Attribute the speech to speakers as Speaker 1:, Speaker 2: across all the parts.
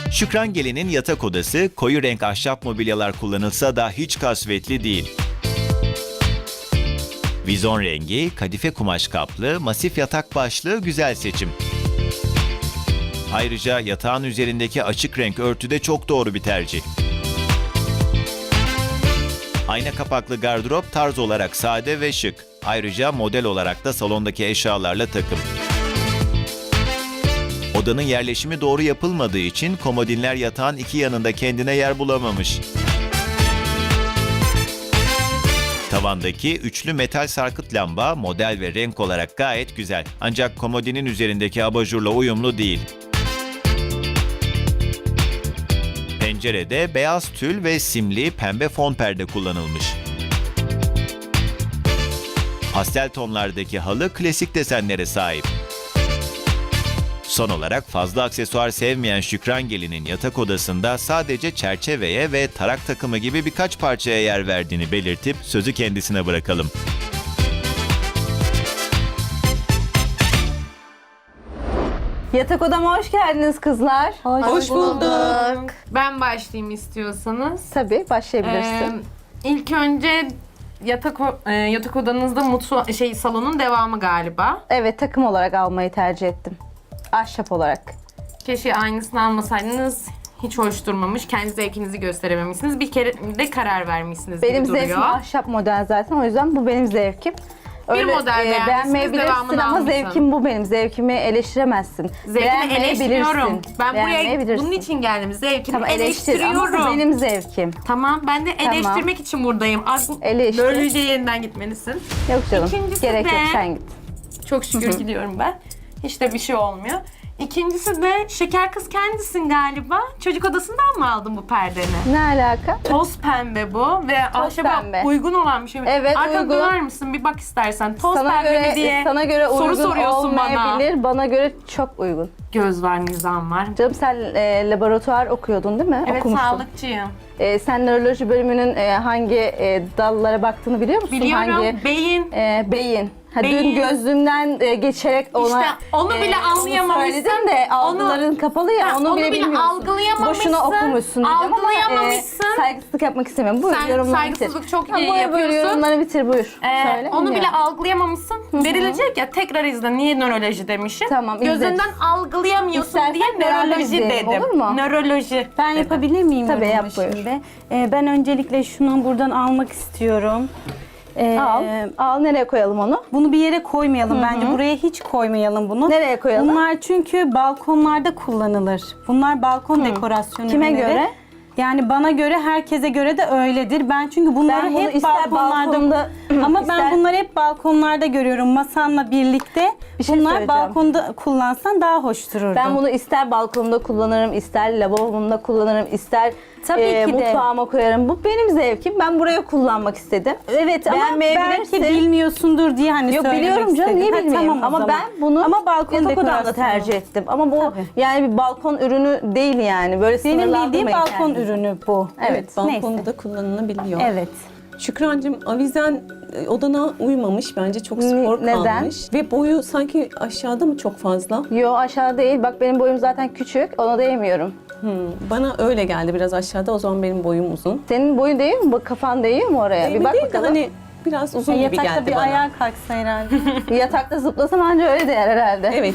Speaker 1: Şükran Gelin'in yatak odası koyu renk ahşap mobilyalar kullanılsa da hiç kasvetli değil. Vizon rengi, kadife kumaş kaplı, masif yatak başlığı güzel seçim. Ayrıca yatağın üzerindeki açık renk örtü de çok doğru bir tercih. Ayna kapaklı gardırop tarz olarak sade ve şık. Ayrıca model olarak da salondaki eşyalarla takım. Odanın yerleşimi doğru yapılmadığı için komodinler yatağın iki yanında kendine yer bulamamış. Tavandaki üçlü metal sarkıt lamba model ve renk olarak gayet güzel. Ancak komodinin üzerindeki abajurla uyumlu değil. Pencerede beyaz tül ve simli pembe fon perde kullanılmış. Pastel tonlardaki halı klasik desenlere sahip. Son olarak fazla aksesuar sevmeyen Şükran Gelin'in yatak odasında sadece çerçeveye ve tarak takımı gibi birkaç parçaya yer verdiğini belirtip sözü kendisine bırakalım.
Speaker 2: Yatak odama hoş geldiniz kızlar.
Speaker 3: Hoş bulduk.
Speaker 4: Ben başlayayım istiyorsanız.
Speaker 2: Tabii başlayabilirsin.
Speaker 4: İlk önce yatak odanızda salonun devamı galiba.
Speaker 2: Evet, takım olarak almayı tercih ettim. Ahşap olarak.
Speaker 4: Keşke aynısını almasaydınız. Hiç hoş durmamış. Kendi zevkinizi gösterememişsiniz. Bir kere de karar vermişsiniz
Speaker 2: Benim
Speaker 4: gibi duruyor.
Speaker 2: zevkim ahşap model zaten, o yüzden bu benim zevkim.
Speaker 4: model beğendiyseniz
Speaker 2: beğenmeyebilirsin
Speaker 4: devamını
Speaker 2: ama
Speaker 4: almışsın.
Speaker 2: zevkim bu benim. Zevkimi eleştiremezsin.
Speaker 4: Zevkini eleştiriyorum. Ben buraya
Speaker 2: Beğenmeyebilirsin.
Speaker 4: bunun için geldim. Zevkini
Speaker 2: Tamam, eleştir ama bu
Speaker 4: eleştiriyorum.
Speaker 2: benim zevkim.
Speaker 4: Tamam, ben de eleştirmek için buradayım.
Speaker 2: Eleştir.
Speaker 4: Böylece yeniden gitmelisin.
Speaker 2: Yok canım,
Speaker 4: İkincisi
Speaker 2: gerek
Speaker 4: de-
Speaker 2: yok, sen git.
Speaker 4: Çok şükür gidiyorum ben. Hiç de bir şey olmuyor. İkincisi de şeker kız kendisin galiba. Çocuk odasından mı aldın bu perdeni?
Speaker 2: Ne alaka?
Speaker 4: Toz pembe bu ve ahşaba
Speaker 2: pembe.
Speaker 4: uygun olan bir şey.
Speaker 2: Evet,
Speaker 4: Arkana
Speaker 2: uygun.
Speaker 4: döner misin? Bir bak istersen. Toz
Speaker 2: Sana
Speaker 4: pembe
Speaker 2: göre,
Speaker 4: mi diye
Speaker 2: sana göre
Speaker 4: soru
Speaker 2: uygun
Speaker 4: soruyorsun bana.
Speaker 2: olmayabilir. Bana göre çok uygun.
Speaker 4: Göz var, nizam var.
Speaker 2: Canım sen laboratuvar okuyordun değil mi?
Speaker 4: Evet,
Speaker 2: Okumuştun.
Speaker 4: sağlıkçıyım.
Speaker 2: Sen nöroloji bölümünün hangi dallara baktığını biliyor musun?
Speaker 4: Biliyorum.
Speaker 2: Hangi?
Speaker 4: Beyin.
Speaker 2: Beyin. Ha,
Speaker 4: Beyin.
Speaker 2: dün gözlüğümden geçerek ona
Speaker 4: İşte onu bile anlayamamışsın.
Speaker 2: söyledim de algıların kapalı ya, onu bile bilmiyorsun.
Speaker 4: algılayamamışsın.
Speaker 2: Boşuna okumuşsun diyeceğim ama
Speaker 4: Algılayamamışsın.
Speaker 2: saygısızlık yapmak istemiyorum. Buyur,
Speaker 4: Sen
Speaker 2: yorumlarını bitir.
Speaker 4: saygısızlık çok iyi
Speaker 2: Buyur,
Speaker 4: yapıyorsun.
Speaker 2: yorumlarını bitir, buyur. Söyle,
Speaker 4: Onu bile
Speaker 2: dinliyorum.
Speaker 4: algılayamamışsın. Verilecek ya, tekrar izle. Niye nöroloji demişim?
Speaker 2: Tamam, izle.
Speaker 4: Gözünden algılayamıyorsun
Speaker 2: İstersen
Speaker 4: diye
Speaker 2: beraber
Speaker 4: nöroloji
Speaker 2: izleyelim,
Speaker 4: dedim.
Speaker 2: olur mu?
Speaker 4: Nöroloji.
Speaker 3: Ben yapabilir miyim
Speaker 2: Tabii,
Speaker 3: yorumu
Speaker 2: yap, buyur.
Speaker 3: şimdi? Ben öncelikle şunu buradan almak istiyorum.
Speaker 2: Al, nereye koyalım onu?
Speaker 3: Bunu bir yere koymayalım bence. Buraya hiç koymayalım bunu.
Speaker 2: Nereye koyalım?
Speaker 3: Bunlar çünkü balkonlarda kullanılır. Bunlar balkon dekorasyonu
Speaker 2: Kime
Speaker 3: ürünleri.
Speaker 2: göre?
Speaker 3: Yani bana göre, herkese göre de öyledir. Ben çünkü bunları
Speaker 2: Ben bunu
Speaker 3: hep
Speaker 2: ister
Speaker 3: balkonlarda
Speaker 2: balkonda,
Speaker 3: ama
Speaker 2: ister-
Speaker 3: ben bunları hep balkonlarda görüyorum masamla birlikte.
Speaker 2: Bir şey
Speaker 3: Bunlar
Speaker 2: söyleyeceğim.
Speaker 3: balkonda kullansan daha hoş dururdu.
Speaker 2: Ben bunu ister balkonumda kullanırım, ister lavabomda kullanırım, ister
Speaker 3: Tabii ki de.
Speaker 2: mutfağıma koyarım. Bu benim zevkim. Ben buraya kullanmak istedim.
Speaker 3: Evet, ama
Speaker 2: Beğenmeyebilirsin.
Speaker 3: belki bilmiyorsundur diye hani
Speaker 2: Yok,
Speaker 3: söylemek
Speaker 2: biliyorum canım,
Speaker 3: istedim.
Speaker 2: niye
Speaker 3: Ha,
Speaker 2: bilmeyeyim.
Speaker 3: tamam o
Speaker 2: Ama
Speaker 3: zaman.
Speaker 2: ben bunu
Speaker 3: ama balkon
Speaker 2: yatak odamda
Speaker 3: dekorasyonu.
Speaker 2: tercih ettim. Ama bu
Speaker 3: Tabii.
Speaker 2: yani bir balkon ürünü değil yani. Böyle
Speaker 3: Benim bildiğim
Speaker 2: sınırlandırmayın
Speaker 3: balkon
Speaker 2: kendinizi.
Speaker 3: ürünü bu.
Speaker 2: Evet,
Speaker 5: balkonda
Speaker 3: neyse.
Speaker 5: da kullanılabiliyor.
Speaker 3: Evet.
Speaker 5: Şükrancığım, avizen odana uymamış, bence çok spor
Speaker 2: Neden?
Speaker 5: kalmış. Ve boyu sanki aşağıda mı çok fazla?
Speaker 2: Yo, aşağı değil. Bak benim boyum zaten küçük. Ona değmiyorum.
Speaker 5: Bana öyle geldi, biraz aşağıda, o zaman benim boyum uzun.
Speaker 2: Senin boyun değiyor mu? Bak, kafan değiyor mu oraya? Bir bak
Speaker 5: değil de
Speaker 2: bakalım.
Speaker 5: hani biraz uzun gibi
Speaker 3: Yatakta
Speaker 5: geldi
Speaker 3: bir
Speaker 5: bana.
Speaker 3: ayağa kalksa herhalde.
Speaker 2: Yatakta zıplasam anca öyle değer herhalde.
Speaker 5: Evet,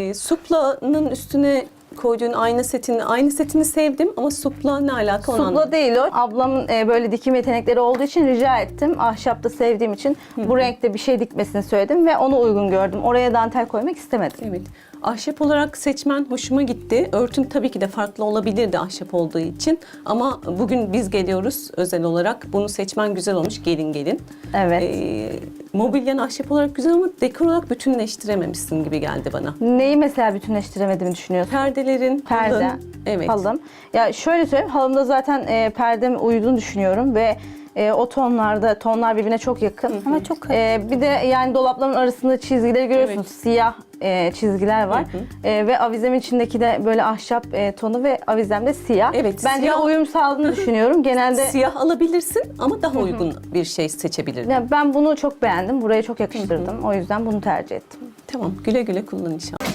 Speaker 5: suplanın üstüne koyduğun aynı setini sevdim ama supla ne alaka onu
Speaker 2: Supla değil o. Ablamın böyle dikim yetenekleri olduğu için rica ettim. Ahşapta sevdiğim için bu renkte bir şey dikmesini söyledim ve onu uygun gördüm. Oraya dantel koymak istemedim.
Speaker 5: Evet. Ahşap olarak seçmen hoşuma gitti. Örtün tabii ki de farklı olabilirdi ahşap olduğu için. Ama bugün biz geliyoruz özel olarak. Bunu seçmen güzel olmuş, gelin.
Speaker 2: Evet.
Speaker 5: Mobilyan ahşap olarak güzel ama dekor olarak bütünleştirememişsin gibi geldi bana.
Speaker 2: Neyi mesela bütünleştiremediğimi düşünüyorsun?
Speaker 5: Perdelerin,
Speaker 2: Perde,
Speaker 5: halın, evet.
Speaker 2: halım. Ya şöyle söyleyeyim, halımda zaten perdem uyduğunu düşünüyorum ve o tonlar birbirine çok yakın.
Speaker 3: Ama çok
Speaker 2: bir de yani dolapların arasında çizgileri görüyorsunuz.
Speaker 5: Evet.
Speaker 2: Siyah çizgiler var. Ve avizemin içindeki de böyle ahşap tonu ve avizem de siyah.
Speaker 5: Evet,
Speaker 2: Bence
Speaker 5: siyah-
Speaker 2: uyum sağladığını düşünüyorum. Genelde
Speaker 5: Siyah alabilirsin ama daha uygun bir şey seçebilirdin.
Speaker 2: ya ben bunu çok beğendim. Buraya çok yakıştırdım. O yüzden bunu tercih ettim.
Speaker 5: Tamam, güle güle kullan inşallah.